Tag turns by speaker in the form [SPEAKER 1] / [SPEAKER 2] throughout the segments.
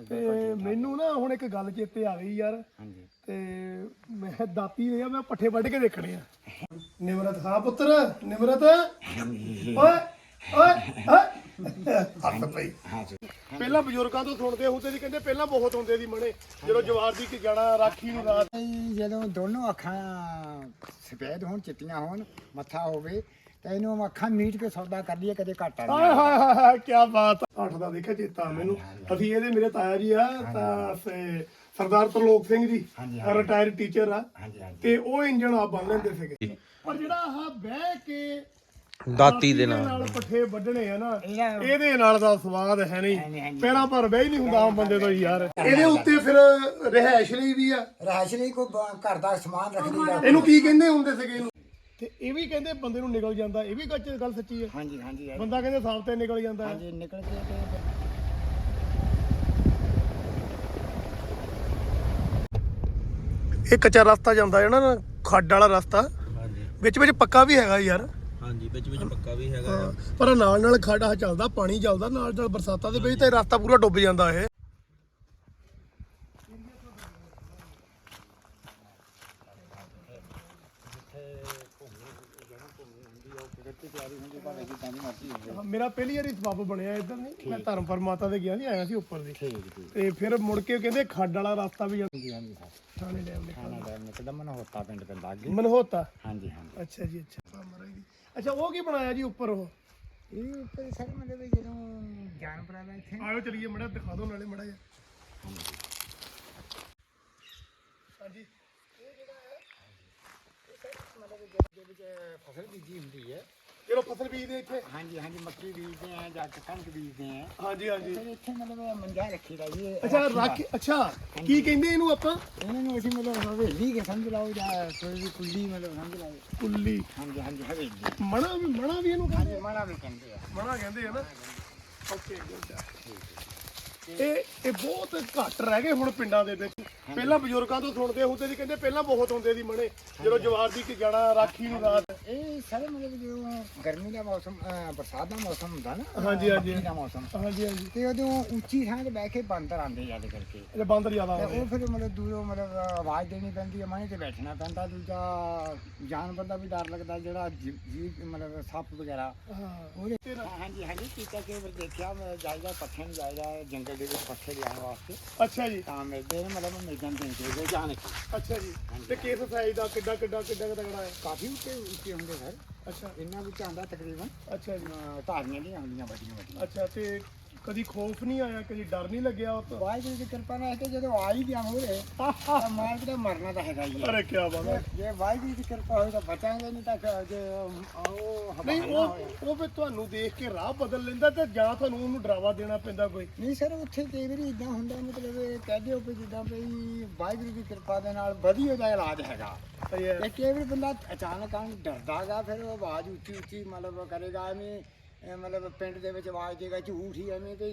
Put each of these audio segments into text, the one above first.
[SPEAKER 1] ਤੇ ਮੈਨੂੰ ਨਾ ਹੁਣ ਇੱਕ ਗੱਲ ਚੇਤੇ ਆ ਗਈ ਯਾਰ।
[SPEAKER 2] ਹਾਂਜੀ
[SPEAKER 1] ਤੇ ਮੈਂ ਦਾਤੀ ਨੇ ਮੈਂ ਪੱਠੇ ਵੱਢ ਕੇ ਦੇਖਣੇ ਆ। ਨਿਮਰਤ ਹਾਂ ਪੁੱਤਰ ਨਿਮਰਤ ਓਏ ਓਏ ਹੱਥ ਪਈ। ਪਹਿਲਾਂ ਬਜ਼ੁਰਗਾਂ ਤੋਂ ਸੁਣਦੇ ਹੁੰਦੇ ਸੀ, ਕਹਿੰਦੇ ਪਹਿਲਾਂ ਬਹੁਤ ਹੁੰਦੇ ਸੀ ਮਣੇ, ਜਦੋਂ ਜਵਾਰ ਦੀ ਕਿ ਜਾਣਾ ਰਾਖੀ ਨੂੰ ਰਾਤ।
[SPEAKER 2] ਜਦੋਂ ਦੋਨੋਂ ਅੱਖਾਂ ਸਫੈਦ ਹੋਣ, ਚਿੱਟੀਆਂ ਹੋਣ, ਮੱਥਾ ਹੋਵੇ ਤਾਂ ਇਹਨੂੰ ਅੱਖਾਂ ਮੀਟ ਕੇ ਸੌਦਾ ਕਰ ਲਈਏ, ਕਦੇ ਘਾਟਾ ਨਹੀਂ।
[SPEAKER 1] ਹਾਏ ਹਾਏ ਹਾਏ ਕੀ ਬਾਤ। 8 ਦਾ ਦੇਖਿਆ ਚੇਤਾ ਮੈਨੂੰ। ਅਸੀਂ ਇਹਦੇ ਮੇਰੇ ਤਾਇਆ ਜੀ ਆ ਤਾਂ ਸਰਦਾਰ ਤਰਲੋਕ ਸਿੰਘ ਜੀ, ਰਿਟਾਇਰਡ ਟੀਚਰ ਆ, ਤੇ ਉਹ ਇੰਜਣ ਆਪ ਬੰਨ ਲੈਂਦੇ ਸੀਗੇ। ਪਰ ਜਿਹੜਾ ਆਹ ਬਹਿ ਕੇ ਦਾਤੀ ਦੇ ਨਾਲ ਪੱਠੇ ਵੱਢਣੇ ਆ ਨਾ, ਇਹਦੇ ਨਾਲ ਦਾ ਸਵਾਦ ਹੈ ਨਹੀਂ। ਪੈਰਾਂ ਪਰ ਬਹਿ ਹੀ ਨਹੀਂ ਹੁੰਦਾ ਆਮ ਬੰਦੇ ਤੋਂ ਯਾਰ। ਇਹਦੇ ਉੱਤੇ ਫਿਰ ਰਹਿائش ਲਈ ਵੀ ਆ,
[SPEAKER 2] ਰਹਿائش ਲਈ ਕੋਈ ਘਰ ਦਾ ਸਮਾਨ ਰੱਖ ਲਈਦਾ।
[SPEAKER 1] ਇਹਨੂੰ ਕੀ ਕਹਿੰਦੇ ਹੁੰਦੇ ਸੀਗੇ ਇਹਨੂੰ? ਤੇ ਇਹ ਵੀ ਕਹਿੰਦੇ ਬੰਦੇ ਨੂੰ ਨਿਕਲ ਜਾਂਦਾ, ਇਹ ਵੀ ਗੱਲ ਸੱਚੀ ਹੈ।
[SPEAKER 2] ਹਾਂਜੀ ਹਾਂਜੀ
[SPEAKER 1] ਬੰਦਾ ਕਹਿੰਦੇ ਸਾਫ ਤੇ ਨਿਕਲ ਜਾਂਦਾ ਹੈ।
[SPEAKER 2] ਹਾਂਜੀ ਨਿਕਲ ਕੇ ਤੇ
[SPEAKER 1] ਇਹ ਕੱਚਾ ਰਸਤਾ ਜਾਂਦਾ ਹੈ ਨਾ, ਖੱਡ ਵਾਲਾ ਰਸਤਾ।
[SPEAKER 3] ਹਾਂਜੀ
[SPEAKER 1] ਵਿੱਚ ਵਿੱਚ ਪੱਕਾ ਵੀ ਹੈਗਾ ਯਾਰ।
[SPEAKER 3] ਹਾਂਜੀ ਵਿੱਚ ਪੱਕਾ ਵੀ ਹੈਗਾ।
[SPEAKER 1] ਪਰ ਨਾਲ ਨਾਲ ਖੱਡਾ ਚੱਲਦਾ, ਪਾਣੀ ਚੱਲਦਾ ਨਾਲ ਨਾਲ ਬਰਸਾਤਾਂ ਦੇ ਵਿੱਚ, ਤੇ ਰਸਤਾ ਪੂਰਾ ਡੁੱਬ ਜਾਂਦਾ ਇਹ। ਮੇਰਾ ਪਹਿਲੀ ਵਾਰੀ ਸਬੱਬ ਬਣਿਆ ਇੱਧਰ ਨਹੀਂ, ਮੈਂ ਧਰਮ ਪਰਮਾਤਾ ਦੇ ਗਿਆ ਨਹੀਂ, ਆਇਆ ਸੀ ਉੱਪਰ ਦੀ। ਤੇ ਫਿਰ ਮੁੜ ਕੇ ਕਹਿੰਦੇ ਖੱਡ ਵਾਲਾ ਰਸਤਾ ਵੀ ਜਾਂਦਾ ਥਾਣੇ ਡੈਮ
[SPEAKER 2] ਨਿਕਲਦਾ ਮਨਹੋਤਾ ਪਿੰਡ ਪੈਂਦਾ ਅੱਗੇ।
[SPEAKER 1] ਮਨਹੋਤਾ।
[SPEAKER 2] ਹਾਂਜੀ ਹਾਂਜੀ
[SPEAKER 1] ਅੱਛਾ ਜੀ ਅੱਛਾ। ਅੱਛਾ ਉਹ ਕੀ ਬਣਾਇਆ ਜੀ ਉੱਪਰ? ਉਹ
[SPEAKER 2] ਇਹ ਉੱਪਰ ਸਰ ਮਤਲਬ ਜਦੋਂ ਜਾਨਵਰਾਂ ਦਾ ਇੱਥੇ
[SPEAKER 1] ਆਇਓ ਚਲੀਏ ਮੜਾ ਦਿਖਾ ਦਿਓ ਨਾਲੇ ਮੜਾ ਜਿਹਾ। ਹਾਂਜੀ
[SPEAKER 2] ਇਹ ਜਿਹੜਾ ਹੈ ਇਹ ਸਰ ਮਤਲਬ ਦੇ ਵਿੱਚ ਫਸਲ ਬੀਜੀ ਹੁੰਦੀ ਹੈ।
[SPEAKER 1] ਚਲੋ ਫਸਲ ਬੀਜਦੇ ਇੱਥੇ।
[SPEAKER 2] ਹਾਂਜੀ ਹਾਂਜੀ ਮੱਕੀ ਬੀਜਦੇ ਆ ਜਾਂ ਕਣਕ ਬੀਜਦੇ ਆ।
[SPEAKER 1] ਹਾਂਜੀ ਹਾਂਜੀ।
[SPEAKER 2] ਫਿਰ ਇੱਥੇ ਮਤਲਬ ਮੰਜਾ ਰੱਖੀਦਾ ਜੀ।
[SPEAKER 1] ਅੱਛਾ ਰੱਖ। ਅੱਛਾ ਕੀ ਕਹਿੰਦੇ ਇਹਨੂੰ ਆਪਾਂ?
[SPEAKER 2] ਇਹਨਾਂ ਨੂੰ ਅਸੀਂ ਮਤਲਬ ਹਵੇਲੀ ਕੇ ਸਮਝ ਲਾਓ ਜਾਂ ਕੋਈ ਵੀ ਕੁੱਲੀ ਮਤਲਬ ਸਮਝ ਲਾਓ।
[SPEAKER 1] ਕੁੱਲੀ।
[SPEAKER 2] ਹਾਂਜੀ ਹਾਂਜੀ ਹਵੇਲੀ।
[SPEAKER 1] ਮਣਾ ਵੀ ਇਹਨੂੰ ਕਹਿੰਦੇ?
[SPEAKER 2] ਹਾਂਜੀ ਮਾੜਾ ਵੀ ਕਹਿੰਦੇ ਆ।
[SPEAKER 1] ਮਣਾ ਕਹਿੰਦੇ ਆ ਨਾ। Okay good. ਇਹ ਬਹੁਤ ਘੱਟ ਰਹਿ ਗਏ ਹੁਣ ਪਿੰਡਾਂ ਦੇ ਵਿੱਚ। ਪਹਿਲਾਂ ਬਜ਼ੁਰਗਾਂ ਤੋਂ ਸੁਣਦੇ ਹੁੰਦੇ ਸੀ, ਕਹਿੰਦੇ ਪਹਿਲਾਂ ਬਹੁਤ ਹੁੰਦੇ ਸੀ ਮਣੇ, ਜਦੋਂ ਜਵਾਰ ਦੀ ਕਿ ਜਾਣਾ ਰਾਖੀ ਨੂੰ ਰਾਤ।
[SPEAKER 2] ਇਹ ਸਾਰੇ ਮਤਲਬ ਜਦੋਂ ਗਰਮੀ ਦਾ ਮੌਸਮ ਬਰਸਾਤ ਦਾ ਮੌਸਮ ਹੁੰਦਾ ਨਾ।
[SPEAKER 1] ਹਾਂਜੀ ਹਾਂਜੀ
[SPEAKER 2] ਦਾ ਮੌਸਮ।
[SPEAKER 1] ਹਾਂਜੀ ਹਾਂਜੀ।
[SPEAKER 2] ਤੇ ਉਦੋਂ ਉੱਚੀ ਥਾਂ ਤੇ ਬਹਿ ਕੇ ਬਾਂਦਰ ਆਉਂਦੇ ਜਦ ਕਰਕੇ।
[SPEAKER 1] ਇਹ ਬਾਂਦਰ ਜ਼ਿਆਦਾ
[SPEAKER 2] ਤੇ
[SPEAKER 1] ਆਉਂਦੇ।
[SPEAKER 2] ਉਹ ਫਿਰ ਮਤਲਬ ਦੂਰੋਂ ਮਤਲਬ ਆਵਾਜ਼ ਦੇਣੀ ਪੈਂਦੀ ਹੈ, ਮਾਹੀ ਤੇ ਬੈਠਣਾ ਪੈਂਦਾ। ਦੂਜਾ ਜਾਨਵਰ ਦਾ ਵੀ ਡਰ ਲੱਗਦਾ, ਜਿਹੜਾ ਜੀਵ ਮਤਲਬ ਸੱਪ ਵਗੈਰਾ। ਉਹਦੇ ਹਾਂਜੀ ਹਾਂਜੀ ਕੀਤਾ ਕਿ ਵਾਰ ਦੇਖਿਆ ਮੈਂ ਜਾਇਦਾ ਪੱਠੇ ਨੂੰ ਜਾਇਦਾ ਜੰਗਲ ਦੇ ਵਿੱਚ ਪੱਠੇ ਲਿਆਉਣ ਵਾਸਤੇ।
[SPEAKER 1] ਅੱਛਾ ਜੀ।
[SPEAKER 2] ਤਾਂ ਮਿਲਦੇ ਨੇ ਮਤਲਬ ਮਿਲ ਜਾਂਦੇ ਨੇ ਜਾਣ ਕੇ।
[SPEAKER 1] ਅੱਛਾ ਜੀ। ਤੇ ਕਿਸ ਸਾਈਜ਼ ਦਾ ਕਿੱਡਾ ਤਗੜਾ ਹੈ?
[SPEAKER 2] ਕਾਫੀ ਉੱਚੇ ਹੁੰਦੇ ਸਰ।
[SPEAKER 1] ਅੱਛਾ
[SPEAKER 2] ਇਹਨਾਂ ਵਿੱਚ ਆਉਂਦਾ ਤਕਰੀਬਨ
[SPEAKER 1] ਅੱਛਾ ਜੀ।
[SPEAKER 2] ਧਾਰੀਆਂ ਨਹੀਂ ਆਉਂਦੀਆਂ ਵੱਡੀਆਂ।
[SPEAKER 1] ਅੱਛਾ ਤੇ ਕਦੀ ਖੌਫ ਨਹੀਂ ਆਇਆ, ਕਦੀ ਡਰ ਨਹੀਂ ਲੱਗਿਆ ਉਹ ਤੋਂ?
[SPEAKER 2] ਵਾਹਿਗੁਰੂ ਦੀ ਕਿਰਪਾ ਨਾਲ ਕਿ ਜਦੋਂ ਆ ਹੀ ਗਿਆ ਮੂਹਰੇ ਤਾਂ ਮਾਰ ਕੇ ਮਰਨਾ ਤਾਂ ਹੈਗਾ ਹੀ ਹੈ।
[SPEAKER 1] ਅਰੇ ਕੀ ਬਾਤ ਹੈ।
[SPEAKER 2] ਜੇ ਵਾਹਿਗੁਰੂ ਦੀ ਕਿਰਪਾ ਹੋਈ ਤਾਂ ਬਚਾਂਗੇ, ਨਹੀਂ ਤਾਂ ਜੇ ਉਹ
[SPEAKER 1] ਨਹੀਂ ਉਹ ਫਿਰ ਤੁਹਾਨੂੰ ਦੇਖ ਕੇ ਰਾਹ ਬਦਲ ਲੈਂਦਾ, ਤੇ ਜਾਂ ਤੁਹਾਨੂੰ ਉਹਨੂੰ ਡਰਾਵਾ ਦੇਣਾ ਪੈਂਦਾ ਕੋਈ?
[SPEAKER 2] ਨਹੀਂ ਸਰ ਉੱਥੇ ਕਈ ਵਾਰੀ ਇਦਾਂ ਹੁੰਦਾ, ਮਤਲਬ ਇਹ ਕਹਿ ਦਿਓ ਵੀ ਜਿੱਦਾਂ ਵੀ ਵਾਹਿਗੁਰੂ ਦੀ ਕਿਰਪਾ ਦੇ ਨਾਲ ਵਧੀਆ ਦਾ ਇਲਾਜ ਹੈਗਾ। ਤੇ ਕਈ ਵਾਰੀ ਬੰਦਾ ਅਚਾਨਕ ਡਰਦਾ ਗਾ, ਫਿਰ ਉਹ ਆਵਾਜ਼ ਉੱਚੀ ਉੱਚੀ ਮਤਲਬ ਕਰੇਗਾ, ਐਵੇਂ ਮਤਲਬ ਪਿੰਡ ਦੇ ਵਿੱਚ ਆਵਾਜ਼ ਦੇਗਾ ਝੂਠ ਹੀ ਐਵੇਂ ਤੇ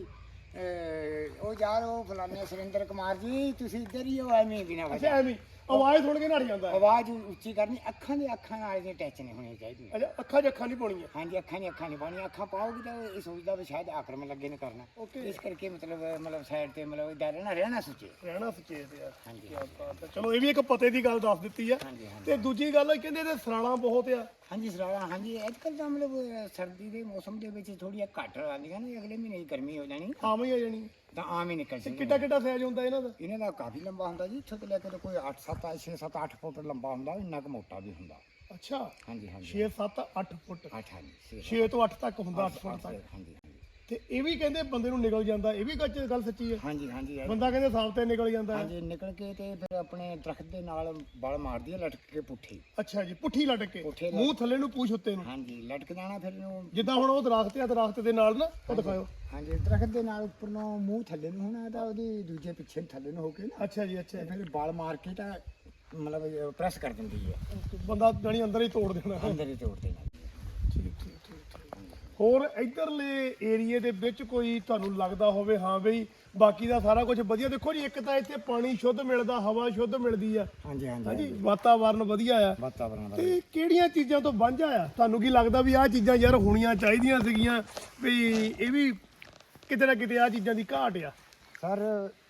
[SPEAKER 2] ਉਹ ਯਾਰ ਉਹ ਫਲਾਣੇ ਸੁਰਿੰਦਰ ਕੁਮਾਰ ਜੀ ਤੁਸੀਂ ਇੱਧਰ ਹੀ ਹੋ, ਐਵੇਂ ਬਿਨਾਂ
[SPEAKER 1] ਅੱਛਾ ਐਵੇਂ ਆਵਾਜ਼ ਸੁਣ ਕੇ ਨੜ ਜਾਂਦਾ?
[SPEAKER 2] ਆਵਾਜ਼ ਉੱਚੀ ਕਰਨੀ, ਅੱਖਾਂ ਨਾਲ ਇਹ ਟੱਚ ਨਹੀਂ ਹੋਣੀ ਚਾਹੀਦੀ।
[SPEAKER 1] ਅੱਛਾ ਅੱਖਾਂ 'ਚ ਅੱਖਾਂ ਨਹੀਂ ਪਾਉਣੀਆਂ?
[SPEAKER 2] ਹਾਂਜੀ ਅੱਖਾਂ ਨਹੀਂ ਪਾਉਣੀਆਂ। ਅੱਖਾਂ ਪਾਓਗੇ ਤਾਂ ਇਹ ਸੋਚਦਾ ਵੀ ਸ਼ਾਇਦ ਆਕਰਮਣ ਲੱਗੇ ਨੇ ਕਰਨਾ। ਇਸ ਕਰਕੇ ਮਤਲਬ ਸਾਈਡ ਤੇ ਮਤਲਬ ਇਦਾਂ ਰਹਿਣਾ ਸੁਚੇਤ ਯਾਰ। ਹਾਂਜੀ
[SPEAKER 1] ਚਲੋ ਇਹ ਵੀ ਇੱਕ ਪਤੇ ਦੀ ਗੱਲ ਦੱਸ ਦਿੱਤੀ ਆ। ਤੇ ਦੂਜੀ ਗੱਲ ਕਹਿੰਦੇ ਇਹਦੇ ਸਰਾਣਾ ਬਹੁਤ ਆ।
[SPEAKER 2] ਹਾਂਜੀ ਸਰਾਣਾ। ਹਾਂਜੀ ਅੱਜ ਕੱਲ੍ਹ ਤਾਂ ਮਤਲਬ ਸਰਦੀ ਦੇ ਮੌਸਮ ਦੇ ਵਿੱਚ ਥੋੜ੍ਹੀਆਂ ਘੱਟ ਆਉਂਦੀਆਂ ਨੇ, ਅਗਲੇ ਮਹੀਨੇ ਗਰਮੀ ਹੋ ਜਾਣੀ
[SPEAKER 1] ਆਮ ਹੀ ਆ ਜਾਣੀ
[SPEAKER 2] ਤਾਂ ਆਮ ਹੀ ਨਿਕਲ ਜਾਣੀ।
[SPEAKER 1] ਕਿੱਡਾ ਸਾਈਜ਼ ਹੁੰਦਾ ਇਹਨਾਂ ਦਾ?
[SPEAKER 2] ਇਹਨਾਂ ਦਾ ਕਾਫੀ ਲੰਬਾ ਹੁੰਦਾ ਜੀ, ਇੱਥੋਂ ਤੋਂ ਲੈ ਕੇ ਤਾਂ ਕੋਈ 6-7-8 ਫੁੱਟ ਲੰਬਾ ਹੁੰਦਾ, ਇੰਨਾ ਕੁ ਮੋਟਾ ਵੀ ਹੁੰਦਾ।
[SPEAKER 1] ਅੱਛਾ
[SPEAKER 2] ਹਾਂਜੀ ਹਾਂਜੀ
[SPEAKER 1] 6-7-8 ਫੁੱਟ।
[SPEAKER 2] 8 ਹਾਂਜੀ
[SPEAKER 1] 6 ਤੋਂ 8 ਤੱਕ ਹੁੰਦਾ, 8 ਫੁੱਟ ਤੱਕ।
[SPEAKER 2] ਹਾਂਜੀ
[SPEAKER 1] ਤੇ ਇਹ ਵੀ ਕਹਿੰਦੇ ਬੰਦੇ ਨੂੰ ਨਿਕਲ ਜਾਂਦਾ, ਇਹ ਵੀ ਗੱਲ ਸੱਚੀ ਹੈ?
[SPEAKER 2] ਹਾਂਜੀ ਹਾਂਜੀ
[SPEAKER 1] ਬੰਦਾ ਕਹਿੰਦੇ ਸਾਫ ਤੇ ਨਿਕਲ ਜਾਂਦਾ।
[SPEAKER 2] ਹਾਂਜੀ ਨਿਕਲ ਕੇ ਤੇ ਫਿਰ ਆਪਣੇ ਦਰਖਤ ਦੇ ਨਾਲ ਬਲ ਮਾਰਦੀ ਹੈ ਲਟਕ ਕੇ ਪੁੱਠੀ।
[SPEAKER 1] ਅੱਛਾ ਜੀ ਪੁੱਠੀ ਲਟਕ ਕੇ ਮੂੰਹ ਥੱਲੇ ਨੂੰ ਪੂਛ ਉੱਤੇ ਨੂੰ?
[SPEAKER 2] ਹਾਂਜੀ ਲਟਕ ਜਾਣਾ ਫਿਰ ਇਹਨੂੰ,
[SPEAKER 1] ਜਿੱਦਾਂ ਹੁਣ ਉਹ ਦਰਖਤ ਆ, ਦਰਖਤ ਦੇ ਨਾਲ ਨਾ ਉਹ ਦਿਖਾਓ।
[SPEAKER 2] ਹਾਂਜੀ ਦਰਖਤ ਦੇ ਨਾਲ ਉੱਪਰ ਨੂੰ ਮੂੰਹ ਥੱਲੇ ਨੂੰ ਹੋਣਾ ਤਾਂ ਉਹਦੀ ਦੂਜੇ ਪਿੱਛੇ ਥੱਲੇ ਨੂੰ ਹੋ ਕੇ ਨਾ।
[SPEAKER 1] ਅੱਛਾ ਜੀ ਅੱਛਾ।
[SPEAKER 2] ਫਿਰ ਬਲ ਮਾਰ ਕੇ ਤਾਂ ਮਤਲਬ ਪ੍ਰੈਸ ਕਰ ਦਿੰਦੀ ਹੈ,
[SPEAKER 1] ਬੰਦਾ ਜਾਨੀ ਅੰਦਰ ਹੀ ਤੋੜ ਦੇਣਾ।
[SPEAKER 2] ਅੰਦਰ ਹੀ ਤੋੜ ਦੇਣਾ।
[SPEAKER 1] ਠੀਕ। ਹੋਰ ਇਧਰਲੇ ਏਰੀਏ ਦੇ ਵਿੱਚ ਕੋਈ ਤੁਹਾਨੂੰ ਲੱਗਦਾ ਹੋਵੇ ਹਾਂ ਬਈ ਬਾਕੀ ਦਾ ਸਾਰਾ ਕੁਝ ਵਧੀਆ? ਦੇਖੋ ਜੀ ਇੱਕ ਤਾਂ ਇੱਥੇ ਪਾਣੀ ਸ਼ੁੱਧ ਮਿਲਦਾ, ਹਵਾ ਸ਼ੁੱਧ ਮਿਲਦੀ ਆ।
[SPEAKER 2] ਹਾਂਜੀ
[SPEAKER 1] ਹਾਂਜੀ ਵਾਤਾਵਰਨ ਵਧੀਆ ਆ।
[SPEAKER 2] ਵਾਤਾਵਰਨ
[SPEAKER 1] ਤੇ ਕਿਹੜੀਆਂ ਚੀਜ਼ਾਂ ਤੋਂ ਵਾਂਝਾ ਆ? ਤੁਹਾਨੂੰ ਕੀ ਲੱਗਦਾ ਵੀ ਆਹ ਚੀਜ਼ਾਂ ਯਾਰ ਹੋਣੀਆਂ ਚਾਹੀਦੀਆਂ ਸੀਗੀਆਂ, ਵੀ ਇਹ ਵੀ ਕਿਤੇ ਨਾ ਕਿਤੇ ਆਹ ਚੀਜ਼ਾਂ ਦੀ ਘਾਟ ਆ?
[SPEAKER 2] ਸਰ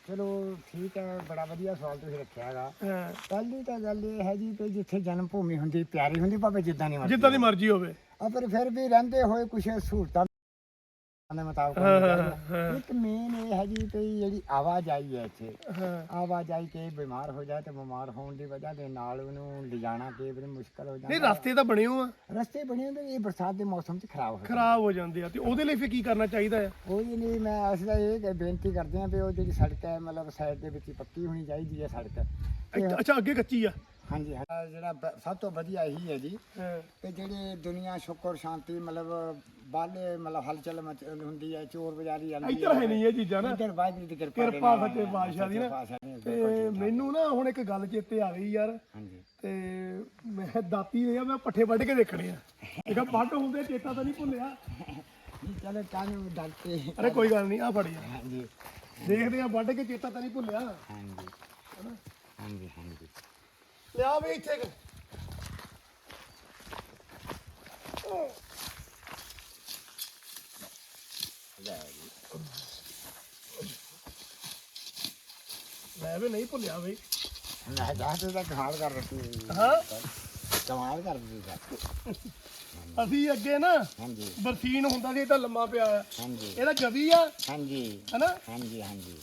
[SPEAKER 2] ਚਲੋ ਠੀਕ ਹੈ, ਬੜਾ ਵਧੀਆ ਸਵਾਲ ਤੁਸੀਂ ਰੱਖਿਆ ਹੈਗਾ।
[SPEAKER 1] ਹਾਂ,
[SPEAKER 2] ਪਹਿਲੀ ਤਾਂ ਗੱਲ ਇਹ ਹੈ ਜੀ ਕਿ ਜਿੱਥੇ ਜਨਮ ਭੂਮੀ ਹੁੰਦੀ ਪਿਆਰੀ ਹੁੰਦੀ, ਭਾਵੇਂ ਜਿੱਦਾਂ ਦੀ ਮਰਜ਼ੀ
[SPEAKER 1] ਜਿੱਦਾਂ ਦੀ ਮਰਜ਼ੀ ਹੋਵੇ।
[SPEAKER 2] ਪਰ ਫਿਰ ਵੀ ਰਹਿੰਦੇ ਹੋਏ ਕੁਝ ਸਹੂਲਤਾਂ ਦੇ ਮੁਤਾਬਕ
[SPEAKER 1] ਹਾਂ,
[SPEAKER 2] ਹੋਣੀ
[SPEAKER 1] ਹਾਂ,
[SPEAKER 2] ਚਾਹੀਦੀ ਹੈ।
[SPEAKER 1] ਹਾਂ।
[SPEAKER 2] ਇੱਕ ਮੇਨ ਇਹ ਹੈ ਜੀ ਕਿ ਜਿਹੜੀ ਆਵਾਜਾਈ ਹੈ ਇੱਥੇ,
[SPEAKER 1] ਹਾਂ,
[SPEAKER 2] ਆਵਾਜਾਈ ਕੇ ਬਿਮਾਰ ਹੋ ਜਾਏ ਤੇ ਬਿਮਾਰ ਹੋਣ ਦੀ ਵਜ੍ਹਾ ਦੇ ਨਾਲ ਉਹਨੂੰ ਲਿਜਾਣਾ ਕਈ ਵਾਰੀ ਮੁਸ਼ਕਲ ਹੋ
[SPEAKER 1] ਨਹੀਂ
[SPEAKER 2] ਜਾਂਦਾ।
[SPEAKER 1] ਰਸਤੇ ਤਾਂ ਬਣੇ ਹੋ ਆ,
[SPEAKER 2] ਰਸਤੇ ਬਣੇ ਹੁੰਦੇ, ਇਹ ਬਰਸਾਤ ਦੇ ਮੌਸਮ 'ਚ ਖਰਾਬ ਹੋ ਜਾਂਦੇ।
[SPEAKER 1] ਖਰਾਬ ਹੋ ਜਾਂਦੇ ਆ, ਤੇ ਉਹਦੇ ਲਈ ਫਿਰ ਕੀ ਕਰਨਾ ਚਾਹੀਦਾ ਆ?
[SPEAKER 2] ਕੋਈ ਨਹੀਂ, ਮੈਂ ਅਸੀਂ ਤਾਂ ਇਹ ਬੇਨਤੀ ਕਰਦੇ ਹਾਂ ਵੀ ਉਹ ਜਿਹੜੀ ਸੜਕ ਹੈ ਮਤਲਬ ਸਾਈਡ ਦੇ ਵਿੱਚ ਹੀ ਪੱਕੀ ਹੋਣੀ ਚਾਹੀਦੀ ਹੈ ਸੜਕ। ਤੇ
[SPEAKER 1] ਅੱਛਾ, ਅੱਗੇ ਕੱਚੀ ਆ।
[SPEAKER 2] ਹਾਂਜੀ ਹਾਂ, ਜਿਹੜਾ ਸਭ ਤੋਂ ਵਧੀਆ ਇਹੀ ਹੈ ਜੀ
[SPEAKER 1] ਹਾਂ,
[SPEAKER 2] ਕਿ ਜਿਹੜੇ ਦੁਨੀਆ ਸ਼ੁਕਰ ਸ਼ਾਂਤੀ ਮਤਲਬ ਬਾਲੇ ਮਤਲਬ ਹਲਚਲ ਹੁੰਦੀ ਹੈ, ਚੋਰ ਬਜ਼ਾਰੀ ਆਉਂਦੀ
[SPEAKER 1] ਇੱਧਰ ਹੈ ਨਹੀਂ ਇਹ ਚੀਜ਼ਾਂ ਨਾ।
[SPEAKER 2] ਇੱਧਰ ਵਾਹਿਗੁਰੂ ਦੀ ਕਿਰਪਾ ਦੇ
[SPEAKER 1] ਕਿਰਪਾ
[SPEAKER 2] ਨਾਲ,
[SPEAKER 1] ਸੱਚੇ ਪਾਤਸ਼ਾਹ ਦੀ ਨਾ।
[SPEAKER 2] ਪਾਤਸ਼ਾਹ ਦੀ
[SPEAKER 1] ਤੇ
[SPEAKER 2] ਬਿਲਕੁਲ ਠੀਕ ਠਾਕ।
[SPEAKER 1] ਮੈਨੂੰ ਨਾ ਹੁਣ ਇੱਕ ਗੱਲ ਚੇਤੇ ਆ ਗਈ ਯਾਰ,
[SPEAKER 2] ਹਾਂਜੀ
[SPEAKER 1] ਤੇ ਮੈਂ ਦਾਤੀ ਦੇ ਆ, ਮੈਂ ਪੱਠੇ ਵੱਢ ਕੇ ਦੇਖਣੇ ਆ। ਦੇਖਾ ਵੱਢ ਹੁੰਦੇ ਚੇਤਾ ਤਾਂ ਨਹੀਂ ਭੁੱਲਿਆ।
[SPEAKER 2] ਨਹੀਂ ਚਲੋ ਕਾਹਨੂੰ ਡਰਤੇ।
[SPEAKER 1] ਅਰੇ ਕੋਈ ਗੱਲ ਨਹੀਂ, ਆ ਫੜ ਯਾਰ,
[SPEAKER 2] ਹਾਂਜੀ
[SPEAKER 1] ਦੇਖਦੇ ਆ ਵੱਢ ਕੇ, ਚੇਤਾ ਤਾਂ ਨਹੀਂ ਭੁੱਲਿਆ।
[SPEAKER 2] ਹਾਂਜੀ ਹਾਂਜੀ ਹਾਂਜੀ
[SPEAKER 1] ਲਿਆ ਵੀ ਇੱਥੇ ਮੈਂ ਵੀ ਨਹੀਂ ਭੁੱਲਿਆ ਬਈ।
[SPEAKER 2] ਮੈਂ ਜਾਤੇ ਦਾ ਕਮਾਲ ਕਰ ਦਿੱਤੀ।
[SPEAKER 1] ਹਾਂ,
[SPEAKER 2] ਕਮਾਲ ਕਰ ਦਿੱਤੀ ਸਰ।
[SPEAKER 1] ਅਸੀਂ ਅੱਗੇ ਨਾ
[SPEAKER 2] ਹਾਂਜੀ
[SPEAKER 1] ਬਰਸੀਨ ਹੁੰਦਾ ਸੀ, ਤਾਂ ਲੰਮਾ ਪਿਆ ਆ।
[SPEAKER 2] ਹਾਂਜੀ
[SPEAKER 1] ਇਹਦਾ ਗਵੀ ਆ,
[SPEAKER 2] ਹਾਂਜੀ
[SPEAKER 1] ਹਨਾ?
[SPEAKER 2] ਹਾਂਜੀ ਹਾਂਜੀ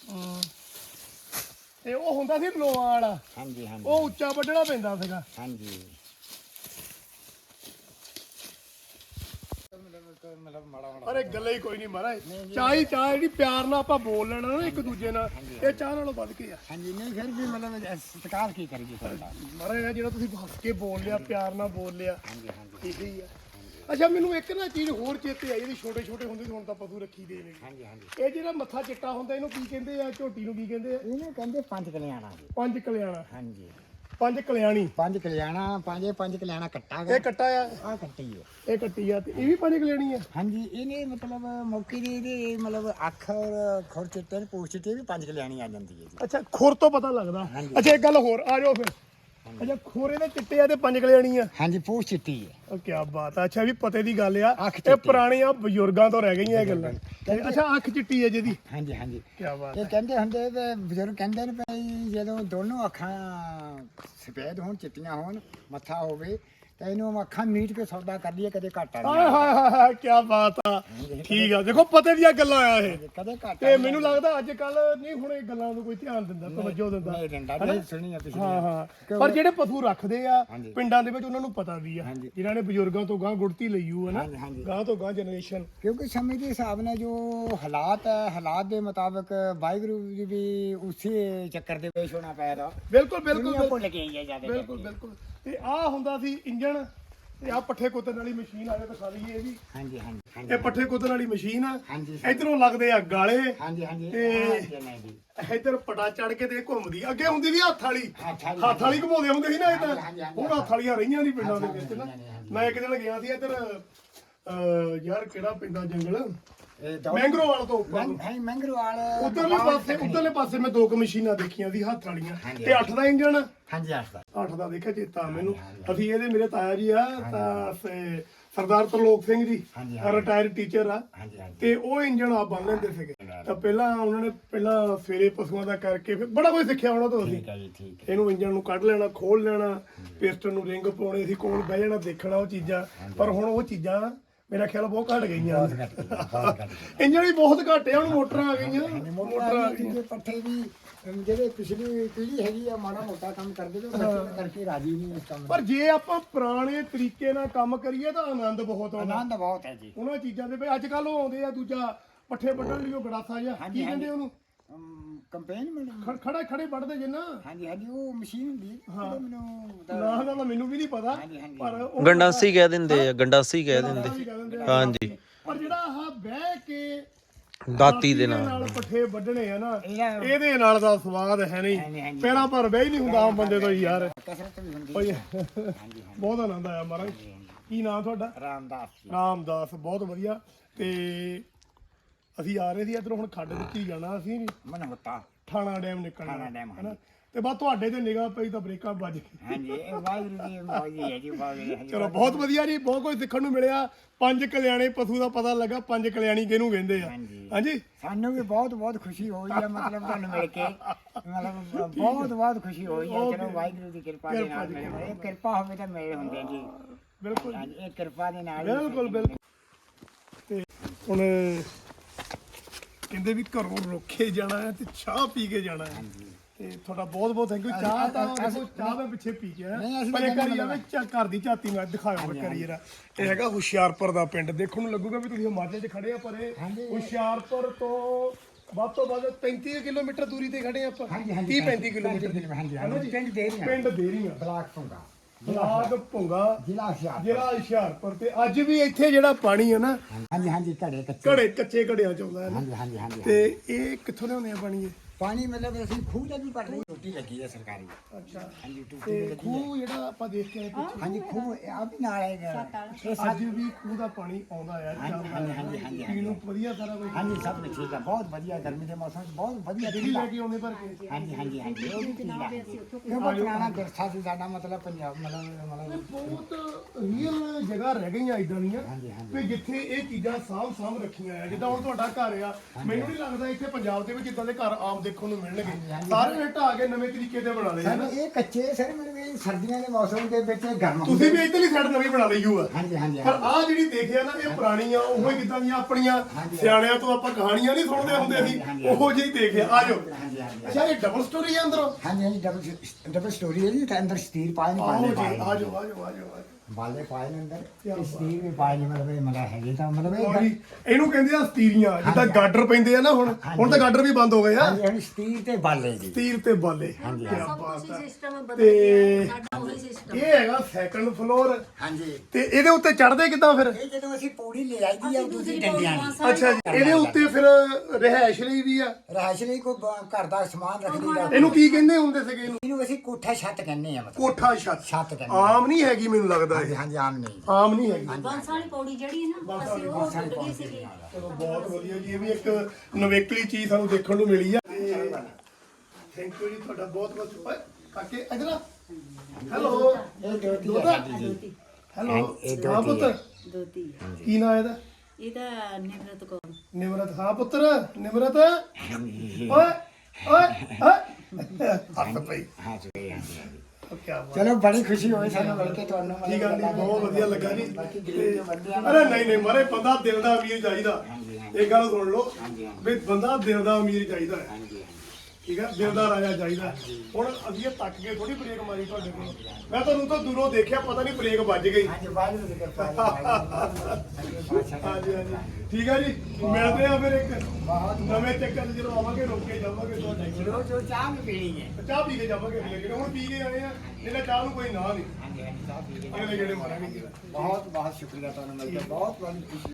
[SPEAKER 1] ਤੇ ਉਹ ਹੁੰਦਾ ਸੀ ਲੋਆਂ ਵਾਲਾ,
[SPEAKER 2] ਹਾਂਜੀ ਹਾਂਜੀ
[SPEAKER 1] ਉਹ ਉੱਚਾ ਵੱਢਣਾ ਪੈਂਦਾ ਸੀਗਾ।
[SPEAKER 2] ਹਾਂਜੀ ਮਤਲਬ ਮਾੜਾ ਮਾੜਾ
[SPEAKER 1] ਅਰੇ ਗੱਲੇ ਹੀ ਕੋਈ ਨਹੀਂ ਮਹਾਰਾਜ, ਚਾਹ ਜਿਹੜੀ ਪਿਆਰ ਨਾਲ ਆਪਾਂ ਬੋਲ ਲੈਣਾ ਨਾ ਇੱਕ ਦੂਜੇ ਨਾਲ, ਇਹ ਚਾਹ ਨਾਲੋਂ ਵੱਧ ਕੇ ਆ
[SPEAKER 2] ਹਾਂਜੀ। ਨਹੀਂ ਫਿਰ ਵੀ ਮਤਲਬ ਸਤਿਕਾਰ ਕੀ ਕਰੀਏ ਤੁਹਾਡਾ।
[SPEAKER 1] ਮਹਾਰਾਜ, ਜਿਹੜਾ ਤੁਸੀਂ ਹੱਸ ਕੇ ਬੋਲ ਲਿਆ, ਪਿਆਰ ਨਾਲ ਬੋਲ ਲਿਆ,
[SPEAKER 2] ਹਾਂਜੀ ਹਾਂਜੀ
[SPEAKER 1] ਠੀਕ ਹੀ ਆ। ਅੱਛਾ, ਮੈਨੂੰ ਇੱਕ ਨਾ ਚੀਜ਼ ਹੋਰ ਚੇਤੇ ਆਈ, ਜਿਹੜੀ ਛੋਟੇ ਛੋਟੇ ਹੁੰਦੇ ਸੀ, ਹੁਣ ਤਾਂ ਪਸ਼ੂ ਰੱਖੀ ਦੇ ਨੇ।
[SPEAKER 2] ਹਾਂਜੀ ਹਾਂਜੀ
[SPEAKER 1] ਇਹ ਜਿਹੜਾ ਮੱਥਾ ਚਿੱਟਾ ਹੁੰਦਾ, ਇਹਨੂੰ ਕੀ ਕਹਿੰਦੇ ਆ? ਝੋਟੀ ਨੂੰ ਕੀ ਕਹਿੰਦੇ ਆ?
[SPEAKER 2] ਇਹਨੂੰ ਕਹਿੰਦੇ ਪੰਜ ਕਲਿਆਣਾ ਜੀ।
[SPEAKER 1] ਪੰਜ ਕਲਿਆਣਾ।
[SPEAKER 2] ਹਾਂਜੀ
[SPEAKER 1] ਪੰਜ ਕਲਿਆਣੀ।
[SPEAKER 2] ਪੰਜ ਕਲਿਆਣਾ, ਪੰਜ ਕਲਿਆਣਾ ਕੱਟਾ
[SPEAKER 1] ਇਹ ਕੱਟਾ ਆ,
[SPEAKER 2] ਆ ਕੱਟੀ ਹੈ।
[SPEAKER 1] ਇਹ ਕੱਟੀ ਆ, ਤੇ ਇਹ ਵੀ ਪੰਜ ਕਲਿਆਣੀ ਆ।
[SPEAKER 2] ਹਾਂਜੀ ਇਹਨੇ ਮਤਲਬ ਮੌਕੇ ਦੀ ਇਹਦੀ ਮਤਲਬ ਅੱਖ ਔਰ ਖੁਰ ਚਿੱਟੇ ਨੂੰ ਪੂਛ ਚਿੱਟੇ ਵੀ ਪੰਜ ਕਲਿਆਣੀ ਆ ਜਾਂਦੀ ਹੈ ਜੀ।
[SPEAKER 1] ਅੱਛਾ, ਖੁਰ ਤੋਂ ਪਤਾ ਲੱਗਦਾ।
[SPEAKER 2] ਹਾਂਜੀ।
[SPEAKER 1] ਅੱਛਾ, ਇੱਕ ਗੱਲ ਹੋਰ, ਆ ਜਾਓ ਫਿਰ। ਅੱਛਾ, ਖੋਰੇ ਦੇ ਚਿੱਟੇ ਆ ਤੇ ਪੰਜ ਕਲਿਆਣੀ ਆ।
[SPEAKER 2] ਹਾਂਜੀ ਪੂਛ ਚਿੱਟੀ ਹੈ।
[SPEAKER 1] ਉਹ ਕੀ ਬਾਤ ਆ। ਅੱਛਾ, ਵੀ ਪਤੇ ਦੀ ਗੱਲ ਆ,
[SPEAKER 2] ਅੱਖ
[SPEAKER 1] ਇਹ
[SPEAKER 2] ਚਿੱਟੀ।
[SPEAKER 1] ਪੁਰਾਣੀਆਂ ਬਜ਼ੁਰਗਾਂ ਤੋਂ ਰਹਿ ਗਈਆਂ ਇਹ ਗੱਲਾਂ। ਅੱਛਾ, ਅੱਖ ਚਿੱਟੀ ਹੈ ਜਿਹਦੀ।
[SPEAKER 2] ਹਾਂਜੀ ਹਾਂਜੀ
[SPEAKER 1] ਕੀ ਬਾਤ
[SPEAKER 2] ਇਹ ਕਹਿੰਦੇ ਹੁੰਦੇ ਵੀ ਬਜ਼ੁਰਗ ਕਹਿੰਦੇ ਨੇ ਵੀ ਜਦੋਂ ਦੋਨੋਂ ਅੱਖਾਂ ਸਫੇਦ ਹੋਣ, ਚਿੱਟੀਆਂ ਹੋਣ, ਮੱਥਾ ਹੋਵੇ ਤਾਂ ਇਹਨੂੰ ਅੱਖਾਂ ਮੀਟ ਕੇ ਸੌਦਾ ਕਰ ਲਈਏ, ਕਦੇ ਘਾਟਾ
[SPEAKER 1] ਹਾਏ
[SPEAKER 2] ਨਹੀਂ
[SPEAKER 1] ਹਾਏ ਹਾਏ, ਕੀ ਬਾਤ ਆ। ਠੀਕ ਆ, ਦੇਖੋ ਪਤੇ ਦੀਆਂ ਗੱਲਾਂ ਆ ਇਹ।
[SPEAKER 2] ਕਦੇ ਘਾਟਾ
[SPEAKER 1] ਤੇ ਮੈਨੂੰ ਲੱਗਦਾ ਅੱਜ ਕੱਲ ਨਹੀਂ ਹੁਣ ਇਹ ਗੱਲਾਂ ਨੂੰ ਕੋਈ ਧਿਆਨ ਦਿੰਦਾ, ਤਵੱਜੋ ਦਿੰਦਾ।
[SPEAKER 2] ਨਹੀਂ ਦਿੰਦਾ ਨਹੀਂ ਸੁਣੀ ਆ ਪਿਛਲੀ।
[SPEAKER 1] ਹਾਂ ਹਾਂ, ਪਰ ਜਿਹੜੇ ਪਸ਼ੂ ਰੱਖਦੇ ਆ
[SPEAKER 2] ਹਾਂਜੀ।
[SPEAKER 1] ਪਿੰਡਾਂ ਦੇ ਵਿੱਚ, ਉਹਨਾਂ ਨੂੰ ਪਤਾ ਵੀ ਆ,
[SPEAKER 2] ਹਾਂਜੀ।
[SPEAKER 1] ਜਿਨ੍ਹਾਂ ਨੇ ਬਜ਼ੁਰਗਾਂ ਤੋਂ ਗਾਂ ਗੁੜਤੀ ਲਈ ਹੋਊ, ਹਨਾ?
[SPEAKER 2] ਹਾਂਜੀ ਹਾਂਜੀ
[SPEAKER 1] ਗਾਂ ਤੋਂ ਗਾਂ ਜਨਰੇਸ਼ਨ।
[SPEAKER 2] ਕਿਉਂਕਿ ਸਮੇਂ ਦੇ ਹਿਸਾਬ ਨਾਲ ਜੋ ਹਾਲਾਤ ਹੈ, ਹਾਲਾਤ ਦੇ ਮੁਤਾਬਕ ਵਾਹਿਗੁਰੂ ਜੀ ਵੀ ਉਸੇ ਚੱਕਰ ਦੇ ਵਿੱਚ ਹੋਣਾ ਪੈ ਰਿਹਾ।
[SPEAKER 1] ਬਿਲਕੁਲ ਬਿਲਕੁਲ
[SPEAKER 2] ਦੁਨੀਆ ਭੁੱਲ ਗਈ ਹੈ ਜਿਆਦਾ।
[SPEAKER 1] ਬਿਲਕੁਲ ਬਿਲਕੁਲ। ਤੇ ਆਹ ਹੁੰਦਾ ਸੀ ਇੰਜਣ, ਤੇ ਆਹ ਪੱਠੇ ਕੁੱਤਣ ਵਾਲੀ ਮਸ਼ੀਨ ਆ, ਦਿਖਾ ਲਈਏ ਇਹ ਵੀ।
[SPEAKER 2] ਹਾਂਜੀ ਹਾਂਜੀ
[SPEAKER 1] ਇਹ
[SPEAKER 2] ਹਾਂਜੀ
[SPEAKER 1] ਪੱਠੇ ਕੁੱਤਣ ਵਾਲੀ ਮਸ਼ੀਨ ਆ।
[SPEAKER 2] ਹਾਂਜੀ
[SPEAKER 1] ਇਧਰੋਂ ਲੱਗਦੇ ਆ ਗਾਲੇ,
[SPEAKER 2] ਹਾਂਜੀ ਹਾਂਜੀ
[SPEAKER 1] ਤੇ
[SPEAKER 2] ਨਹੀਂ ਜੀ
[SPEAKER 1] ਇਧਰ ਪਟਾ ਚੜ ਕੇ ਤੇ ਇਹ ਘੁੰਮਦੀ। ਅੱਗੇ ਹੁੰਦੀ ਸੀ ਹੱਥ ਵਾਲੀ,
[SPEAKER 2] ਹੱਥ ਵਾਲੀ।
[SPEAKER 1] ਹੱਥ ਵਾਲੀ ਘੁਮਾਉਂਦੇ ਹੁੰਦੇ ਸੀ ਨਾ ਇਦਾਂ।
[SPEAKER 2] ਹਾਂਜੀ, ਹਾਂਜੀ,
[SPEAKER 1] ਹੁਣ ਹੱਥ ਵਾਲੀਆਂ ਰਹੀਆਂ ਨਹੀਂ ਪਿੰਡਾਂ ਦੇ
[SPEAKER 2] ਹਾਂਜੀ,
[SPEAKER 1] ਵਿੱਚ ਨਾ।
[SPEAKER 2] ਹਾਂਜੀ, ਹਾਂਜੀ।
[SPEAKER 1] ਮੈਂ ਇੱਕ ਦਿਨ ਗਿਆ ਸੀ ਇੱਧਰ, ਯਾਰ ਕਿਹੜਾ ਪਿੰਡਾ ਜੰਗਲ,
[SPEAKER 2] ਇਹ ਦੋ
[SPEAKER 1] ਮੈਂਗਰੋਵਾਲ ਤੋਂ ਉੱਪਰ ਨੂੰ।
[SPEAKER 2] ਮੰਗਰਵਾਲ
[SPEAKER 1] ਉਧਰਲੇ ਪਾਸੇ ਮੈਂ ਦੋ ਕੁ ਮਸ਼ੀਨਾਂ ਦੇਖੀਆਂ ਸੀ ਹੱਥ ਵਾਲੀਆਂ,
[SPEAKER 2] ਹਾਂਜੀ।
[SPEAKER 1] ਤੇ 8 ਦਾ ਇੰਜਣ।
[SPEAKER 2] ਹਾਂਜੀ ਆਸਤਾ
[SPEAKER 1] 8 ਦਾ ਦੇਖਿਆ ਚੇਤਾ ਮੈਨੂੰ। ਅਸੀਂ ਇਹਦੇ ਮੇਰੇ ਤਾਇਆ ਜੀ ਆ, ਤਾਂ ਸਰਦਾਰ ਤਰਲੋਕ ਸਿੰਘ ਜੀ,
[SPEAKER 2] ਹਾਂਜੀ,
[SPEAKER 1] ਰਿਟਾਇਰਡ ਟੀਚਰ ਆ,
[SPEAKER 2] ਹਾਂਜੀ ਹਾਂਜੀ
[SPEAKER 1] ਤੇ ਉਹ ਇੰਜਣ ਆਪ ਬੰਨ ਲੈਂਦੇ ਸੀਗੇ। ਤਾਂ ਪਹਿਲਾਂ ਉਹਨਾਂ ਨੇ ਸਵੇਰੇ ਪਸ਼ੂਆਂ ਦਾ ਕਰਕੇ ਫਿਰ ਬੜਾ ਕੁਝ ਸਿੱਖਿਆ ਉਹਨਾਂ ਤੋਂ ਅਸੀਂ।
[SPEAKER 2] ਠੀਕ ਹੈ ਜੀ ਠੀਕ ਹੈ।
[SPEAKER 1] ਇਹਨੂੰ ਇੰਜਣ ਨੂੰ ਕੱਢ ਲੈਣਾ, ਖੋਲ ਲੈਣਾ, ਪਿਸਟਨ ਨੂੰ ਰਿੰਗ ਪਾਉਣੇ ਸੀ, ਕੋਲ ਬਹਿ ਜਾਣਾ, ਦੇਖਣਾ ਉਹ ਚੀਜ਼ਾਂ। ਪਰ ਹੁਣ ਉਹ ਚੀਜ਼ਾਂ ਮੇਰਾ ਖਿਆਲ ਬਹੁਤ ਘਟ ਗਈਆਂ।
[SPEAKER 2] ਬਹੁਤ ਘੱਟ ਗਿਆ।
[SPEAKER 1] ਇੰਜਣ ਵੀ ਬਹੁਤ ਘੱਟ ਆ, ਹੁਣ ਮੋਟਰਾਂ ਆ ਗਈਆਂ। ਮੋਟਰਾਂ ਆ ਗਈਆਂ।
[SPEAKER 2] ਮੋਟਰ ਪੱਠੇ ਵੀ ਜਿਹੜੇ ਪਿਛਲੀ ਪੀੜ੍ਹੀ ਹੈਗੀ ਆ ਮਾੜਾ ਮੋਟਾ ਕੰਮ ਕਰਦੇ ਤੇ ਬੱਚੇ ਕਰਕੇ ਰਾਜੀ ਨਹੀਂ ਇਸ ਕੰਮ
[SPEAKER 1] ਪਰ ਜੇ ਆਪਾਂ ਪੁਰਾਣੇ ਤਰੀਕੇ ਨਾਲ ਕੰਮ ਕਰੀਏ ਤਾਂ ਆਨੰਦ ਬਹੁਤ ਆਉਂਦਾ
[SPEAKER 2] ਆਨੰਦ ਬਹੁਤ ਹੈ ਜੀ।
[SPEAKER 1] ਉਹਨਾਂ ਚੀਜ਼ਾਂ ਦੇ। ਵੀ ਅੱਜ ਕੱਲ ਉਹ ਆਉਂਦੇ ਆ ਦੂਜਾ ਪੱਠੇ ਵੱਢਣ ਲਈ, ਉਹ ਗੜਾਸਾ ਜਿਹਾ,
[SPEAKER 2] ਹਾਂਜੀ,
[SPEAKER 1] ਕੀ ਕਹਿੰਦੇ ਉਹਨੂੰ?
[SPEAKER 2] ਕੰਪੇਨ ਮੈਨੂੰ
[SPEAKER 1] ਖੜੇ ਵੱਢਦੇ ਜਿੰਨਾ।
[SPEAKER 2] ਹਾਂਜੀ ਹਾਂਜੀ ਉਹ ਮਸ਼ੀਨ ਹੁੰਦੀ ਹੈ ਉਹਦਾ ਮੈਨੂੰ
[SPEAKER 1] ਨਾ ਮੈਨੂੰ ਵੀ ਨਹੀਂ ਪਤਾ,
[SPEAKER 2] ਹਾਂਜੀ ਹਾਂਜੀ
[SPEAKER 1] ਪਰ ਉਹ
[SPEAKER 3] ਗੰਡਾਸੀ ਕਹਿ ਦਿੰਦੇ ਆ, ਗੰਡਾਸੀ ਕਹਿ ਦਿੰਦੇ।
[SPEAKER 1] ਵੀ ਕਹਿ ਦਿੰਦੇ ਆ।
[SPEAKER 3] ਹਾਂਜੀ,
[SPEAKER 1] ਪਰ ਜਿਹੜਾ ਆਹ ਬਹਿ ਕੇ
[SPEAKER 3] ਦਾਤੀ ਦੇ
[SPEAKER 1] ਨਾਲ
[SPEAKER 3] ਨਾਲ।
[SPEAKER 1] ਪੱਠੇ ਵੱਢਣੇ ਆ ਨਾ,
[SPEAKER 2] ਇਹਦਾ
[SPEAKER 1] ਇਹਦੇ ਨਾਲ ਦਾ ਸਵਾਦ ਹੈ
[SPEAKER 2] ਹਾਂਜੀ,
[SPEAKER 1] ਨਹੀਂ।
[SPEAKER 2] ਹਾਂਜੀ।
[SPEAKER 1] ਪੈਣਾ ਪਰ ਬਹਿ ਹੀ ਨਹੀਂ ਹੁੰਦਾ ਆਮ ਬੰਦੇ ਤੋਂ ਯਾਰ।
[SPEAKER 2] ਕਸਰਤ ਵੀ ਹੁੰਦੀ
[SPEAKER 1] ਓਏ,
[SPEAKER 2] ਹੈ। ਹਾਂਜੀ ਹਾਂਜੀ
[SPEAKER 1] ਬਹੁਤ ਆਨੰਦ ਆਇਆ ਮਹਾਰਾਜ। ਕੀ ਨਾਮ ਤੁਹਾਡਾ?
[SPEAKER 2] ਰਾਮਦਾਸ ਜੀ।
[SPEAKER 1] ਰਾਮਦਾਸ, ਬਹੁਤ ਵਧੀਆ। ਤੇ ਅਸੀਂ ਆ ਰਹੇ ਸੀ ਇੱਧਰੋਂ, ਹੁਣ ਖੱਡ ਦਿੱਤੀ ਜਾਣਾ ਅਸੀਂ
[SPEAKER 2] ਮਨਹੁੱਤਾ
[SPEAKER 1] ਠਾਣਾ ਡੈਮ ਨਿਕਲਣਾ,
[SPEAKER 2] ਠਾਣਾ ਡੈਮ,
[SPEAKER 1] ਹਨਾ? ਤੇ ਬਸ ਤੁਹਾਡੇ ਤੇ ਨਿਗਾਹ ਪਈ ਤਾਂ ਬ੍ਰੇਕਾਂ ਵੱਜ ਗਈ।
[SPEAKER 2] ਹਾਂਜੀ ਇਹ ਵਾਹਿਗੁਰੂ ਦੀ ਮੌਜ ਹੀ ਹੈ ਜੀ, ਮੌਜ ਹੈ ਜੀ।
[SPEAKER 1] ਚਲੋ ਬਹੁਤ ਵਧੀਆ ਜੀ, ਬਹੁਤ ਕੁਝ ਸਿੱਖਣ ਨੂੰ ਮਿਲਿਆ। 5 ਕਲਿਆਣੇ ਪਸ਼ੂ ਦਾ ਪਤਾ ਲੱਗਾ, 5 ਕਲਿਆਣੀ ਕਿਹਨੂੰ ਕਹਿੰਦੇ ਆ। ਹਾਂਜੀ
[SPEAKER 2] ਸਾਨੂੰ ਵੀ ਬਹੁਤ ਬਹੁਤ ਖੁਸ਼ੀ ਹੋਈ ਹੈ, ਮਤਲਬ ਤੁਹਾਨੂੰ ਮਿਲ ਕੇ ਮਤਲਬ ਬਹੁਤ ਬਹੁਤ ਖੁਸ਼ੀ ਹੋਈ ਹੈ। ਚਲੋ ਵਾਹਿਗੁਰੂ ਦੀ ਕਿਰਪਾ ਦੇ ਨਾਲ ਮਿਲੇ, ਇਹ ਕਿਰਪਾ ਹੋਵੇ ਤਾਂ ਮਿਲ ਹੁੰਦੇ ਜੀ।
[SPEAKER 1] ਬਿਲਕੁਲ
[SPEAKER 2] ਹਾਂਜੀ ਇਹ ਕਿਰਪਾ ਦੇ ਨਾਲ ਹੀ
[SPEAKER 1] ਬਿਲਕੁਲ ਬਿਲਕੁਲ। ਤੇ ਹੁਣ ਕਹਿੰਦੇ ਵੀ ਘਰੋਂ ਰੋਕੇ ਜਾਣਾ ਹੈ ਤੇ ਚਾਹ ਪੀ ਕੇ ਜਾਣਾ ਹੈ। ਤੇ ਤੁਹਾਡਾ ਬਹੁਤ ਬਹੁਤ ਥੈਂਕ ਯੂ। ਚਾਹ ਤਾਂ ਦੇਖੋ ਚਾਹ ਮੈਂ ਪਿੱਛੇ ਪੀ ਕੇ ਆਇਆ, ਪਰ ਇੱਕ ਵਾਰੀ ਆਵੇ ਘਰ ਦੀ ਝਾਤੀ ਮੈਂ ਦਿਖਾਇਆ ਮੈਂ ਕਰੀ ਜਰਾ। ਇਹ ਹੈਗਾ ਹੁਸ਼ਿਆਰਪੁਰ ਦਾ ਪਿੰਡ। ਦੇਖਣ ਨੂੰ ਲੱਗੂਗਾ ਵੀ ਤੁਸੀਂ ਹਿਮਾਚਲ 'ਚ ਖੜੇ ਆ, ਪਰ ਇਹ ਹੁਸ਼ਿਆਰਪੁਰ ਤੋਂ ਵੱਧ ਤੋਂ ਵੱਧ 35 ਕਿਲੋਮੀਟਰ ਦੂਰੀ ਤੇ ਖੜੇ ਆ ਆਪਾਂ। 30-35 ਕਿਲੋਮੀਟਰ ਦੀ।
[SPEAKER 2] ਹਾਂਜੀ ਪਿੰਡ ਦੇਰੀਆਂ,
[SPEAKER 1] ਪਿੰਡ ਦੇਰੀਆਂ,
[SPEAKER 2] ਬਲਾਕ ਭੁੰਗਾ,
[SPEAKER 1] ਬਲਾਕ ਭੁੰਗਾ,
[SPEAKER 2] ਜ਼ਿਲ੍ਹਾ ਹੁਸ਼ਿਆਰਪੁਰ।
[SPEAKER 1] ਜ਼ਿਲ੍ਹਾ ਹੁਸ਼ਿਆਰਪੁਰ। ਤੇ ਅੱਜ ਵੀ ਇੱਥੇ ਜਿਹੜਾ ਪਾਣੀ ਹੈ ਨਾ,
[SPEAKER 2] ਹਾਂਜੀ ਹਾਂਜੀ ਘੜੇ ਕੱਚੇ।
[SPEAKER 1] ਘੜੇ ਕੱਚੇ ਘੜਿਆਂ ਚ ਆਉਂਦਾ ਹੈ ਨਾ।
[SPEAKER 2] ਹਾਂਜੀ ਹਾਂਜੀ ਹਾਂਜੀ
[SPEAKER 1] ਤੇ ਇਹ ਕਿੱਥੋਂ ਲਿਆਉਂਦੇ ਆ ਪਾਣੀ ਇਹ?
[SPEAKER 2] ਪਾਣੀ ਮਤਲਬ ਅਸੀਂ ਖੂਹ ਦਾ ਵੀ ਭਰ ਰਹੀ, ਟੂਟੀ ਲੱਗੀ ਹੈ ਸਰਕਾਰੀ।
[SPEAKER 1] ਅੱਛਾ।
[SPEAKER 2] ਹਾਂਜੀ ਟੂਟੀ
[SPEAKER 1] ਤੇ
[SPEAKER 2] ਲੱਗੀ ਹੈ।
[SPEAKER 1] ਖੂਹ ਜਿਹੜਾ ਆਪਾਂ ਦੇਖ ਕੇ ਆਏ ਪਿੱਛੇ,
[SPEAKER 2] ਹਾਂਜੀ ਖੂਹ ਆ ਵੀ ਨਾਲ ਹੈ।
[SPEAKER 1] ਅੱਜ ਵੀ ਖੂਹ ਦਾ ਪਾਣੀ ਆਉਂਦਾ ਹੈ,
[SPEAKER 2] ਹਾਂਜੀ
[SPEAKER 1] ਪੀਣ ਨੂੰ ਵਧੀਆ ਸਾਰਾ ਕੁਝ।
[SPEAKER 2] ਹਾਂਜੀ ਸਭ ਕੁਝ ਠੀਕ ਹੈ, ਬਹੁਤ ਵਧੀਆ। ਗਰਮੀ ਦੇ ਮੌਸਮ 'ਚ ਬਹੁਤ ਵਧੀਆ
[SPEAKER 1] ਦਿੱਲੀ ਲੈ ਕੇ ਆਉਂਦੇ ਭਰ ਕੇ।
[SPEAKER 2] ਹਾਂਜੀ ਹਾਂਜੀ ਹਾਂਜੀ ਉਹ ਵੀ ਠੀਕ ਹੈ। ਇਹ ਬਹੁਤ ਪੁਰਾਣਾ ਵਿਰਸਾ ਸੀ ਸਾਡਾ, ਮਤਲਬ ਪੰਜਾਬ ਮਤਲਬ
[SPEAKER 1] ਬਹੁਤ ਰੀਅਲ ਜਗ੍ਹਾ ਰਹਿ ਗਈਆਂ ਇਦਾਂ ਦੀਆਂ ਵੀ ਜਿੱਥੇ ਇਹ ਚੀਜ਼ਾਂ ਸਾਂਭ ਰੱਖੀਆਂ ਆ। ਜਿੱਦਾਂ ਹੁਣ ਤੁਹਾਡਾ ਘਰ ਆ, ਮੈਨੂੰ ਨਹੀਂ ਲੱਗਦਾ ਇੱਥੇ ਪੰਜਾਬ ਦੇ ਵਿੱਚ ਇਦਾਂ ਦੇ ਘਰ ਆਮ ਦੇਖਣ ਨੂੰ ਮਿਲਣਗੇ। ਸਾਰੇ ਨੇ ਢਾਹ ਕੇ ਨਵੇਂ ਤਰੀਕੇ ਦੇ ਬਣਾ ਲਏ ਹਨ।
[SPEAKER 2] ਇਹ ਕੱਚੇ ਸਰ ਮਤਲਬ ਇਹ ਸਰਦੀਆਂ ਦੇ ਮੌਸਮ ਦੇ ਵਿੱਚ ਗਰਮ
[SPEAKER 1] ਤੁਸੀਂ ਵੀ ਇੱਧਰਲੀ ਸਾਈਡ ਨਵੀਂ ਬਣਾ ਲਈ ਹੋਊ ਆ।
[SPEAKER 2] ਹਾਂਜੀ ਹਾਂਜੀ
[SPEAKER 1] ਪਰ ਆਹ ਜਿਹੜੀ ਦੇਖਿਆ ਨਾ, ਇਹ ਪੁਰਾਣੀਆਂ ਉਹ ਜਿੱਦਾਂ ਦੀਆਂ ਆਪਣੀਆਂ ਸਿਆਣਿਆਂ ਤੋਂ ਆਪਾਂ ਕਹਾਣੀਆਂ ਨਹੀਂ ਸੁਣਦੇ ਹੁੰਦੇ ਸੀ, ਉਹੋ ਜਿਹੀ ਦੇਖਿਆ। ਆਜੋ। ਅੱਛਾ ਇਹ ਡਬਲ ਸਟੋਰੀ ਹੈ ਅੰਦਰੋਂ?
[SPEAKER 2] ਹਾਂਜੀ ਹਾਂਜੀ ਡਬਲ ਸਟੋਰੀ ਹੈ ਜੀ। ਤੇ ਅੰਦਰ ਸਟੀਲ ਪਾਏ ਨੇ,
[SPEAKER 1] ਆਓ
[SPEAKER 2] ਬਾਲੇ
[SPEAKER 1] ਜੀ,
[SPEAKER 2] ਪਾਏ ਨੇ।
[SPEAKER 1] ਆਜੋ।
[SPEAKER 2] ਬਾਲੇ ਪਾਏ ਨੇ ਅੰਦਰ, ਤੇ ਸਟੀਲ ਵੀ ਪਾਏ ਨੇ। ਮਤਲਬ ਇਹ ਮਤਲਬ ਹੈਗੇ ਤਾਂ ਮਤਲਬ ਇਹ
[SPEAKER 1] ਜੀ ਇਹਨੂੰ ਕਹਿੰਦੇ ਆ ਸਤੀਰੀਆਂ, ਜਿੱਦਾਂ ਗਾਡਰ ਪੈਂਦੇ ਆ ਨਾ। ਹੁਣ ਤਾਂ ਗਾਡਰ ਵੀ ਬੰਦ ਹੋ ਗਏ ਆ।
[SPEAKER 2] ਹਾਂਜੀ ਸਟੀਲ ਤੇ ਬਾਲੇ ਜੀ।
[SPEAKER 1] ਤੀਰ ਤੇ ਬਾਲੇ।
[SPEAKER 4] ਸਭ ਕੁਝ ਸਿਸਟਮ ਬਦਲ
[SPEAKER 1] ਤੇ
[SPEAKER 4] ਗਿਆ, ਸਾਡਾ ਉਹੀ ਸਿਸਟਮ।
[SPEAKER 1] ਇਹ ਹੈਗਾ ਸੈਕੰਡ ਫਲੋਰ।
[SPEAKER 2] ਹਾਂਜੀ
[SPEAKER 1] ਤੇ ਇਹਦੇ ਉੱਤੇ ਚੜਦੇ ਕਿੱਦਾਂ ਫਿਰ?
[SPEAKER 2] ਇਹ ਜਦੋਂ ਅਸੀਂ ਪੌੜੀ ਲੈ ਆਈਦੀ ਆ
[SPEAKER 4] ਅਸੀਂ
[SPEAKER 2] ਦੂਜੀ
[SPEAKER 4] ਦੂਸਰੀ
[SPEAKER 2] ਡੰਡੀਆਂ
[SPEAKER 4] ਪੌੜੀ
[SPEAKER 2] ਦੀ।
[SPEAKER 1] ਅੱਛਾ ਜੀ। ਇਹਦੇ ਉੱਤੇ ਫਿਰ ਰਹਿائش ਲਈ ਵੀ ਆ?
[SPEAKER 2] ਰਾਸ਼ ਲਈ ਕੋਈ ਘਰ ਦਾ ਸਮਾਨ ਰੱਖ ਲਈਦਾ।
[SPEAKER 1] ਇਹਨੂੰ ਕੀ ਕਹਿੰਦੇ ਹੁੰਦੇ ਸੀਗੇ?
[SPEAKER 2] ਇਹਨੂੰ ਅਸੀਂ ਕੋਠਾ ਛੱਤ ਕਹਿੰਦੇ ਆ, ਮਤਲਬ
[SPEAKER 1] ਕੋਠਾ ਛੱਤ।
[SPEAKER 2] ਛੱਤ ਕਹਿੰਦੇ ਆ।
[SPEAKER 1] ਆਮ ਨਹੀਂ ਹੈਗੀ ਮੈਨੂੰ ਲੱਗਦਾ ਇਹ।
[SPEAKER 2] ਹਾਂਜੀ ਆਮ ਨਹੀਂ।
[SPEAKER 1] ਆਮ ਨਹੀਂ ਹੈਗੀ।
[SPEAKER 4] ਬੰਸ ਵਾਲੀ ਪੌੜੀ ਜਿਹੜੀ ਹੈ ਨਾ, ਅਸੀਂ ਉਹ ਟੁੱਟ ਗਈ ਸੀਗੀ।
[SPEAKER 1] ਚਲੋ ਬਹੁਤ ਵਧੀਆ ਜੀ। ਇਹ ਵੀ ਇੱਕ ਨਵੇਕਲੀ ਚੀਜ਼ ਸਾਨੂੰ ਦੇਖਣ ਨੂੰ ਮਿਲੀ ਆ। ਥੈਂਕ ਯੂ ਜੀ ਤੁਹਾਡਾ ਬਹੁਤ ਬਹੁਤ। ਓਏ ਕਾਕੇ ਇਧਰ ਆ। ਹੈਲੋ।
[SPEAKER 2] ਇਹ ਦੋਤੀ
[SPEAKER 1] ਦੋਤਾ?
[SPEAKER 2] ਹੈ ਸਾਡੀ ਜੀ।
[SPEAKER 1] ਹੈਲੋ।
[SPEAKER 2] ਇਹ
[SPEAKER 1] ਹਾਂ
[SPEAKER 2] ਦੋਤੀ
[SPEAKER 1] ਪੁੱਤਰ,
[SPEAKER 4] ਦੋਤੀ
[SPEAKER 1] ਕੀ ਨਾਂ ਇਹਦਾ?
[SPEAKER 4] ਇਹਦਾ ਨਿਮਰਤ ਕੌਰ।
[SPEAKER 1] ਨਿਮਰਤ। ਹਾਂ ਪੁੱਤਰ ਨਿਮਰਤ। ਓਏ ਹੱਥ ਪਈ।
[SPEAKER 2] ਹਾਂ ਜੀ ਹਾਂਜੀ
[SPEAKER 1] ਕੀ ਬਾਤ।
[SPEAKER 2] ਚਲੋ ਬੜੀ ਖੁਸ਼ੀ ਹੋਈ ਸਾਨੂੰ ਮਿਲ ਕੇ ਤੁਹਾਨੂੰ।
[SPEAKER 1] ਠੀਕ ਆ ਜੀ, ਬਹੁਤ ਵਧੀਆ ਲੱਗਾ ਜੀ।
[SPEAKER 2] ਬਾਕੀ ਗਰੀਬ ਦੇ ਬੰਦਿਆਂ
[SPEAKER 1] ਅਰੇ ਨਹੀਂ ਮਾਰੇ, ਬੰਦਾ ਦਿਲ ਦਾ ਅਮੀਰ ਚਾਹੀਦਾ। ਇਹ ਗੱਲ ਸੁਣ ਲਓ ਵੀ ਬੰਦਾ ਦਿਲ ਦਾ ਅਮੀਰ ਚਾਹੀਦਾ ਹੈ। ਠੀਕ ਹੈ, ਦਿਲ ਦਾ ਰਾਜਾ ਚਾਹੀਦਾ। ਹੁਣ ਅਸੀਂ ਇਹ ਤੱਕ ਕੇ ਥੋੜੀ ਬ੍ਰੇਕ ਮਾਰੀ ਤੁਹਾਡੇ ਕੋਲ। ਮੈਂ ਤੁਹਾਨੂੰ ਤਾਂ ਦੂਰੋਂ ਦੇਖਿਆ, ਪਤਾ ਨਹੀਂ ਬ੍ਰੇਕ ਵੱਜ ਗਈ।
[SPEAKER 2] ਹਾਂਜੀ ਬਾਅਦ ਵਿੱਚ ਕਿਰਪਾ
[SPEAKER 1] ਹਾਂਜੀ ਠੀਕ ਹੈ ਜੀ। ਮਿਲਦੇ ਆ ਫਿਰ ਇੱਕ ਨਵੇਂ ਚੱਕਰ 'ਚ ਜਦੋਂ ਆਵਾਂਗੇ। ਰੋਕ ਕੇ ਜਾਵਾਂਗੇ ਤੁਹਾਡੇ ਕੋਲ।
[SPEAKER 2] ਜੋ ਚਾਹ ਵੀ ਪੀਣੀ ਹੈ।
[SPEAKER 1] ਚਾਹ ਪੀ ਕੇ ਜਾਵਾਂਗੇ ਅਗਲੇ ਗੇੜੇ। ਹੁਣ ਪੀ ਕੇ ਆਏ ਆ, ਇਹਦਾ ਚਾਹ ਨੂੰ ਕੋਈ ਨਾ ਨਹੀਂ।
[SPEAKER 2] ਹਾਂਜੀ ਚਾਹ ਪੀ ਕੇ
[SPEAKER 1] ਅਗਲੇ ਗੇੜੇ ਮਾਰਾਂਗੇ।
[SPEAKER 2] ਬਹੁਤ ਬਹੁਤ ਸ਼ੁਕਰੀਆ ਤੁਹਾਨੂੰ ਮਿਲ ਕੇ, ਬਹੁਤ ਬਹੁਤ ਖੁਸ਼ੀ